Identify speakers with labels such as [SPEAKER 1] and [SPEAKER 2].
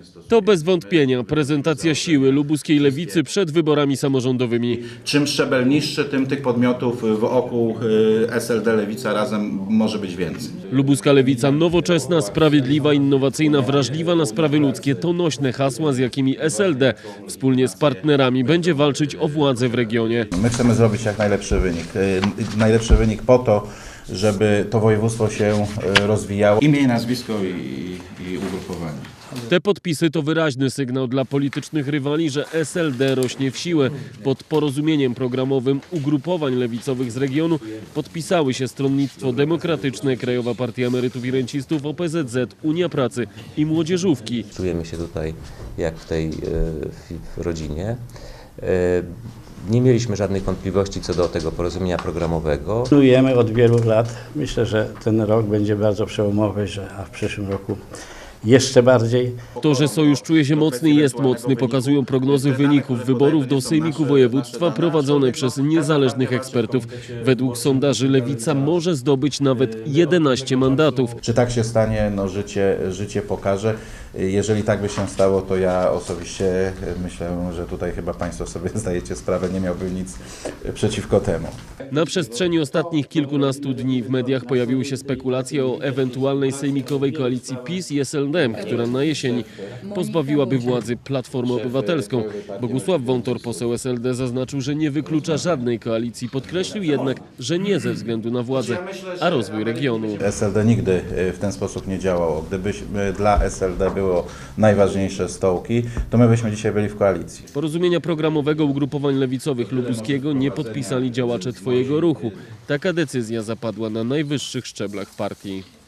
[SPEAKER 1] To bez wątpienia prezentacja siły lubuskiej lewicy przed wyborami samorządowymi.
[SPEAKER 2] Czym szczebel niższy, tym tych podmiotów wokół SLD Lewica Razem może być więcej.
[SPEAKER 1] Lubuska lewica nowoczesna, sprawiedliwa, innowacyjna, wrażliwa na sprawy ludzkie to nośne hasła, z jakimi SLD wspólnie z partnerami będzie walczyć o władzę w regionie.
[SPEAKER 2] My chcemy zrobić jak najlepszy wynik. Najlepszy wynik po to, żeby to województwo się rozwijało. Imię, nazwisko i ugrupowanie.
[SPEAKER 1] Te podpisy to wyraźny sygnał dla politycznych rywali, że SLD rośnie w siłę. Pod porozumieniem programowym ugrupowań lewicowych z regionu podpisały się Stronnictwo Demokratyczne, Krajowa Partia Emerytów i Rencistów, OPZZ, Unia Pracy i Młodzieżówki.
[SPEAKER 3] Czujemy się tutaj jak w tej w rodzinie. Nie mieliśmy żadnych wątpliwości co do tego porozumienia programowego.
[SPEAKER 4] Planujemy od wielu lat. Myślę, że ten rok będzie bardzo przełomowy, a w przyszłym roku jeszcze bardziej.
[SPEAKER 1] To, że sojusz czuje się mocny i jest mocny, pokazują prognozy wyników wyborów do Sejmiku Województwa prowadzone przez niezależnych ekspertów. Według sondaży Lewica może zdobyć nawet 11 mandatów.
[SPEAKER 2] Czy tak się stanie? No życie pokaże. Jeżeli tak by się stało, to ja osobiście myślę, że tutaj chyba Państwo sobie zdajecie sprawę, nie miałbym nic przeciwko temu.
[SPEAKER 1] Na przestrzeni ostatnich kilkunastu dni w mediach pojawiły się spekulacje o ewentualnej sejmikowej koalicji PiS i SLD, która na jesieni pozbawiłaby władzy Platformę Obywatelską. Bogusław Wątor, poseł SLD, zaznaczył, że nie wyklucza żadnej koalicji. Podkreślił jednak, że nie ze względu na władzę, a rozwój regionu.
[SPEAKER 2] SLD nigdy w ten sposób nie działało. Gdyby dla SLD było najważniejsze stołki, to my byśmy dzisiaj byli w koalicji.
[SPEAKER 1] Porozumienia programowego ugrupowań lewicowych lubuskiego nie podpisali działacze Twojego ruchu. Taka decyzja zapadła na najwyższych szczeblach partii.